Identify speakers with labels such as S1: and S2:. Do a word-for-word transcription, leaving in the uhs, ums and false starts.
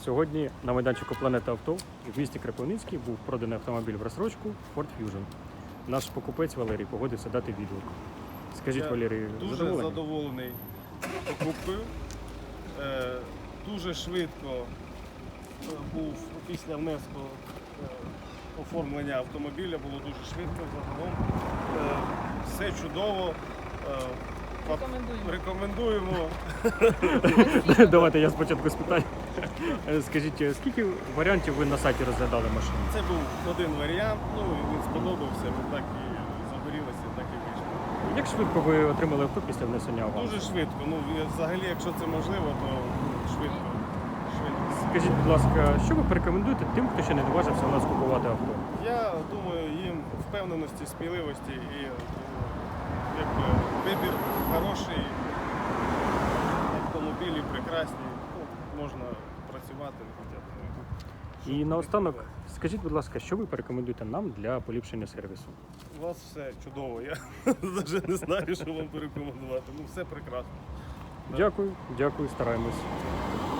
S1: Сьогодні на майданчику Планета Авто в місті Кропивницький був проданий автомобіль в розстрочку Ford Fusion. Наш покупець Валерій погодився дати відгук. Скажіть,
S2: Я
S1: Валерій,
S2: дуже
S1: задоволені?
S2: задоволений покупкою. Е, дуже швидко е, був після внеску е, оформлення автомобіля, було дуже швидко загалом. Е, все чудово. Е,
S3: Рекомендуємо.
S2: Рекомендуємо.
S1: Давайте я спочатку спитаю. Скажіть, скільки варіантів ви на сайті розглядали машину?
S2: Це був один варіант, ну і він сподобався, ми так і загорілися, так і вийшло.
S1: Як швидко ви отримали авто після внесення авансу?
S2: Дуже швидко. Ну, і взагалі, якщо це можливо, то швидко. швидко.
S1: Скажіть, будь ласка, що ви порекомендуєте тим, хто ще не наважився у нас купувати авто?
S2: Я думаю, їм впевненості, сміливості і е, якби, вибір хороший, автомобілі прекрасні, ну, можна працювати. Я думаю.
S1: І наостанок, скажіть, будь ласка, що ви порекомендуєте нам для поліпшення сервісу?
S2: У вас все чудово, я навіть не знаю, що вам порекомендувати. Ну, все прекрасно.
S1: Дякую, дякую, стараємось.